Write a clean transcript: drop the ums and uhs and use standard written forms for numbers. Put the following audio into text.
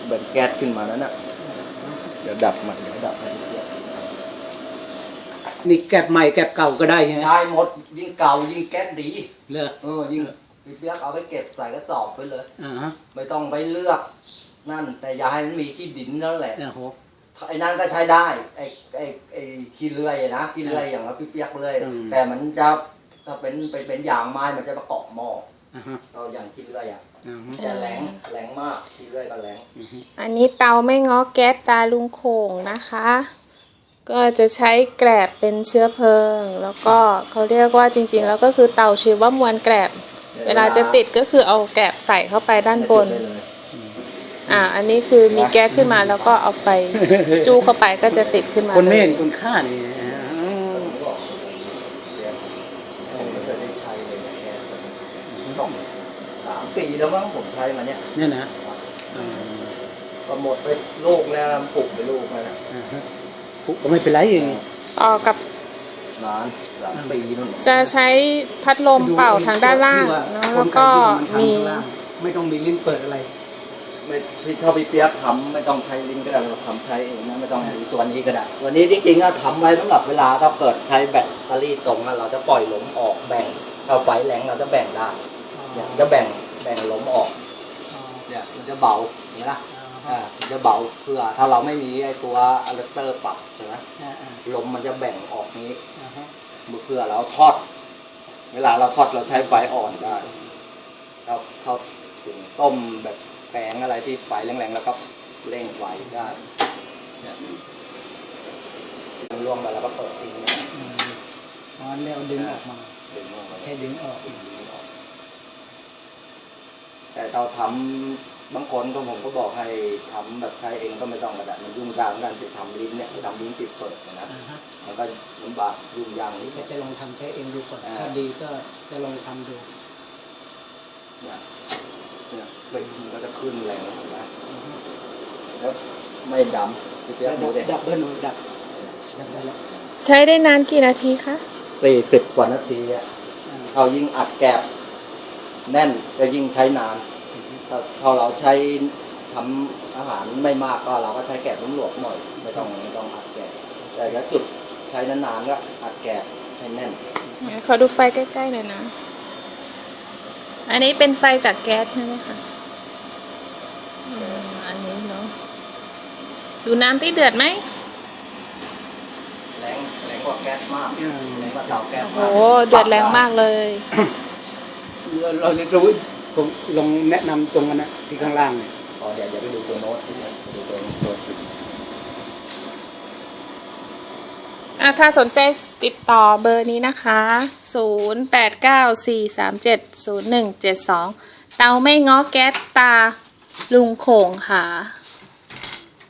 แบบแก๊สขึ้นมานั้นน่ะเดี๋ยวดับมันเดี๋ยวดับให้นี่แก็บใหม่แก็บเก่าก็ได้ใช่ไหมได้หมดยิ่งเก่ายิ่งแก๊สดีเลยยิ่งพี่เปี๊ยกเอาไปเก็บใส่กระสอบไปเลยฮะไม่ต้องไปเลือกนั่นแต่อย่าให้มันมีขี้ดินนั่นแหละไอ้นั่นก็ใช้ได้ไอ้ขี้เลื่อยนะขี้เลื่อยอย่างพี่เปี๊ยกเลยแต่มันจะถ้าเป็นยางไม้มันจะประกอบหม้อเราอย่างขี้เลื่อยจะแรงมากขี้เลื่อยก็แรงอันนี้เตาไม่ง้อแก๊สตาลุงโขงนะคะก็จะใช้แกลบเป็นเชื้อเพลิงแล้วก็เขาเรียกว่าจริงๆแล้วก็คือเตาชีวมวลแกลบเวลาจะติดก็คือเอาแกลบใส่เข้าไปด้านบนอันนี้คือมีแก๊สขึ้นมาแล้วก็เอาไฟจู้เข้าไปก็จะติดขึ้นมาคนเม่นคนฆ่านี่ต้อง3 ปีแล้วมั้งผมใช้มาเนี่ยนะก็หมดไปลูกแล้วปลูกไปลูกแล้วนะปลูกก็ไม่เป็นไรเองต่อกับนาน3 ปีนู่นจะใช้พัดลมเป่าทางด้านล่างแล้วก็มีไม่ต้องมีลิ้นเปิดอะไรไม่พี่ถ้าพี่เปี๊ยกทำไม่ต้องใช้ลิ้นก็ได้เราทำใช้เองนะไม่ต้องตัวนี้ก็ได้ตัวนี้จริงๆก็ทำไว้สำหรับเวลาถ้าเกิดใช้แบตเตอรี่ตรงเราจะปล่อยลมออกแบ่งถ้าไฟแรงเราจะแบ่งได้เนี่ยจะแบ่งลมออกเนี่ยมันจะเบาเห็นไหมล่ะจะเบาเพื่อถ้าเราไม่มีไอ้ตัวอะแดปเตอร์ปรับใช่ไหมลมมันจะแบ่งออกนี้เพื่อเราทอดเวลาเราทอดเราใช้ไฟอ่อนได้เราถึงต้มแบบแกงอะไรที่ไฟแรงๆแล้วก็เร่งไฟได้รวมไปแล้วก็เปิดทิ้งแล้วดึงออกมาใช้ดึงออกแต่เราทำบางคนก็ผมก็บอกให้ทำแบบใช้เองก็ไม่ต้องกระดาษมันยุ่งยากกันจะทำลิ้นเนี่ยทำลิ้นติดเปิดนะมันก็ลำบากยุ่งยากนิดนึงจะลองทำใช้เองดูก่อนถ้าดีก็จะลองทำดูเนี่ยเป็นมันก็จะขึ้นแรงนะแล้วไม่ดำดับเบิ้ลดับได้แล้วใช้ได้นานกี่นาทีคะ 40 กว่านาทีเรายิ่งอัดแกบแน่นจะยิ่งใช้นานถ้าเราใช้ทำอาหารไม่มากก็เราก็ใช้แกบหลวมๆหน่อยไม่ต้องอัดแกบแต่ถ้าจุดใช้นานๆก็อัดแกบให้แน่นขอดูไฟใกล้ๆหน่อยนะอันนี้เป็นไฟจากแก๊สใช่ไหมคะอันนี้เนาะดูน้ำที่เดือดไหมแรงกว่าแก๊สมากแรงกว่าเตาแก๊สมากโอ้เดือดแรงมากเลยเราจะรู้ผมลองแนะนำตรงนั้นนะที่ข้างล่างเนี่ยเดี๋ยวไปดูตัวโน้ตดูตัวถ้าสนใจติดต่อเบอร์นี้นะคะ0894370172เตาไม่ง้อแก๊สตาลุงโขงค่ะ